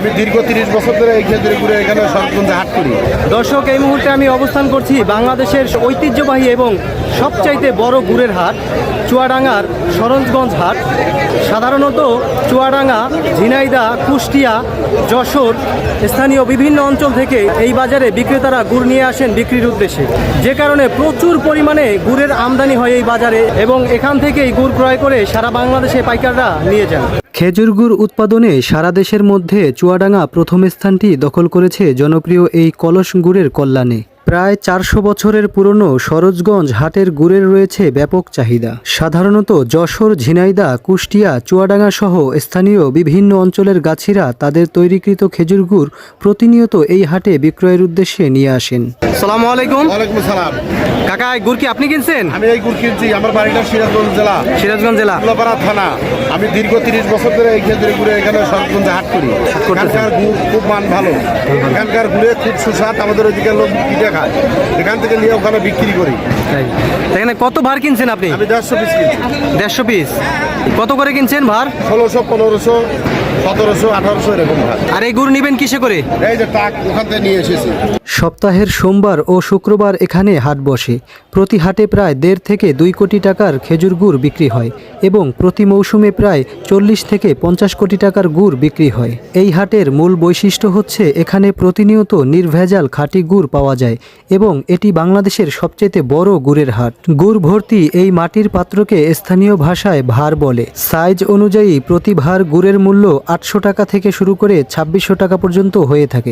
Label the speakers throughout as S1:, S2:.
S1: আমি দীর্ঘ 30 বছর ধরে এই খেজুরি গুড়ে এখানে সরগঞ্জে হাট করি।
S2: দর্শক, এই মুহূর্তে আমি অবস্থান করছি বাংলাদেশের ঐতিহ্যবাহী এবং সবচাইতে বড় গুড়ের হাট চুয়াডাঙ্গার সরঞ্জগঞ্জ হাট। সাধারণত চুয়াডাঙ্গা, ঝিনাইদহ, কুষ্টিয়া, যশোর স্থানীয় বিভিন্ন অঞ্চল থেকে এই বাজারে বিক্রেতারা গুড় নিয়ে আসেন বিক্রির উদ্দেশ্যে, যে কারণে প্রচুর পরিমাণে গুড়ের আমদানি হয় এই বাজারে এবং এখান থেকেই গুড় ক্রয় করে সারা বাংলাদেশে পাইকাররা নিয়ে যান। খেজুর গুড় উৎপাদনে সারা দেশের মধ্যে চুয়াডাঙ্গা প্রথম স্থানটি দখল করেছে জনপ্রিয় এই কলস গুড়ের কল্যাণে। প্রায় 400 বছরের পুরনো সরোজগঞ্জ হাটের গুড়ের রয়েছে ব্যাপক চাহিদা। সাধারণত যশোর, ঝিনাইদহ, কুষ্টিয়া, চুয়াডাঙ্গা সহ স্থানীয় বিভিন্ন অঞ্চলের গাছিরা তাদের তৈরিকৃত খেজুর গুড় প্রতিনিয়ত এই হাটে বিক্রয়ের উদ্দেশ্যে নিয়ে আসেন। আসসালামু আলাইকুম।
S1: ওয়ালাইকুম আসসালাম।
S2: কাকা, এই গুড় কি আপনি কিনছেন?
S1: আমি এই গুড় কিনছি। আমার বাড়িটা সিরাজগঞ্জ জেলা।
S2: সিরাজগঞ্জ জেলা,
S1: উল্লাপাড়া থানা। আমি দীর্ঘ 30 বছর ধরে এই খেজুরি গুড়ে এখানে সরগঞ্জে হাট করি। এখানকার গুড় খুব মান ভালো। এখানকার গুড়ে খুব সুস্বাদ। আমাদের ওইদিকে লোক পিঠে খায়, এখান থেকে নিয়ে ওখানে বিক্রি করি।
S2: এখানে কত ভার কিনছেন আপনি?
S1: আমি 150 পিস কিনছি।
S2: 150 পিস। কত করে কিনছেন ভার?
S1: 1600, 1500, 1700, 1800 এরকম ভার।
S2: আর এই গুড় নিবেন কিসে করে?
S1: এই যে টাক ওখান থেকে নিয়ে এসেছি।
S2: সপ্তাহের সোমবার ও শুক্রবার এখানে হাট বসে। প্রতি হাটে প্রায় 1.5 থেকে 2 কোটি টাকার খেজুর গুড় বিক্রি হয় এবং প্রতি মৌসুমে প্রায় 40 থেকে 50 কোটি টাকার গুড় বিক্রি হয়। এই হাটের মূল বৈশিষ্ট্য হচ্ছে এখানে প্রতিনিয়ত নির্ভেজাল খাঁটি গুড় পাওয়া যায় এবং এটি বাংলাদেশের সবচেয়ে বড় গুড়ের হাট। গুড় ভর্তি এই মাটির পাত্রকে স্থানীয় ভাষায় ভার বলে। সাইজ অনুযায়ী প্রতি ভার গুড়ের মূল্য 800 টাকা থেকে শুরু করে 2600 টাকা পর্যন্ত হয়ে থাকে।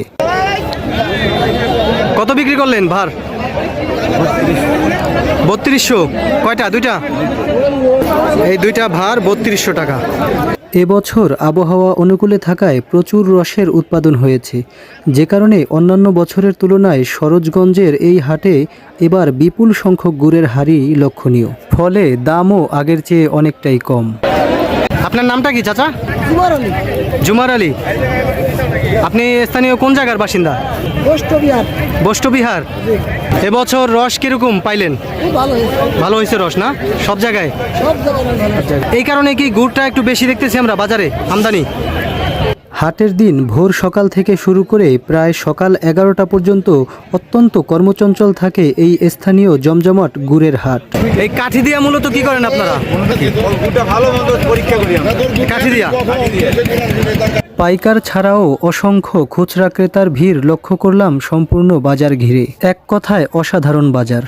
S2: কত বিক্রি করলেন ভার? 3200। কয়টা? দুইটা? এই দুইটা ভার 3200 টাকা। এবছর আবহাওয়া অনুকূলে থাকায় প্রচুর রসের উৎপাদন হয়েছে, যে কারণে অন্যান্য বছরের তুলনায় সরোজগঞ্জের এই হাটে এবার বিপুল সংখ্যক গুড়ের হারই লক্ষণীয়। ফলে দামও আগের চেয়ে অনেকটাই কম। আপনার নামটা কি চাচা?
S3: জুমার আলী।
S2: জুমার আলী। আপনি স্থানীয় কোন জায়গার বাসিন্দা?
S3: বষ্টবিহার।
S2: বষ্টবিহার। এবছর রস কিরকম পাইলেন?
S3: খুব ভালো হয়েছে।
S2: ভালো হয়েছে রস না? সব জায়গায়?
S3: সব জায়গায় ভালো।
S2: এই কারণে কি গুড়টা একটু বেশি দেখতেছি আমরা বাজারে আমদানি? হাটের দিন ভোর সকাল থেকে শুরু করে প্রায় সকাল 11টা পর্যন্ত অত্যন্ত কর্মচঞ্চল থাকে এই স্থানীয় জমজমাট গুড়ের হাট। এই কাঠি দিয়া মূলত কি করেন আপনারা? কাঠি দিয়া। পাইকার ছাড়াও অসংখ্য খুচরা ক্রেতার ভিড় লক্ষ্য করলাম সম্পূর্ণ বাজার ঘিরে। এক কথায় অসাধারণ বাজার।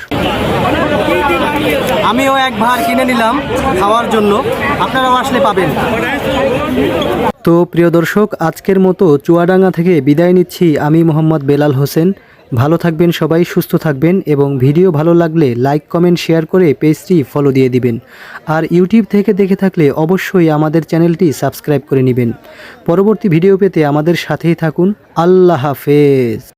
S2: আমিও এক ভার কিনে নিলাম খাওয়ার জন্য, আপনারাও আসলে পাবেন। তো প্রিয় দর্শক, আজকের মতো চুয়াডাঙ্গা থেকে বিদায় নিচ্ছি আমি মোহাম্মদ বেলাল হোসেন। ভালো থাকবেন সবাই, সুস্থ থাকবেন এবং ভিডিও ভালো লাগলে লাইক, কমেন্ট, শেয়ার করে পেজটি ফলো দিয়ে দিবেন। আর ইউটিউব থেকে দেখে থাকলে অবশ্যই আমাদের চ্যানেলটি সাবস্ক্রাইব করে নেবেন। পরবর্তী ভিডিও পেতে আমাদের সাথেই থাকুন। আল্লাহ হাফেজ।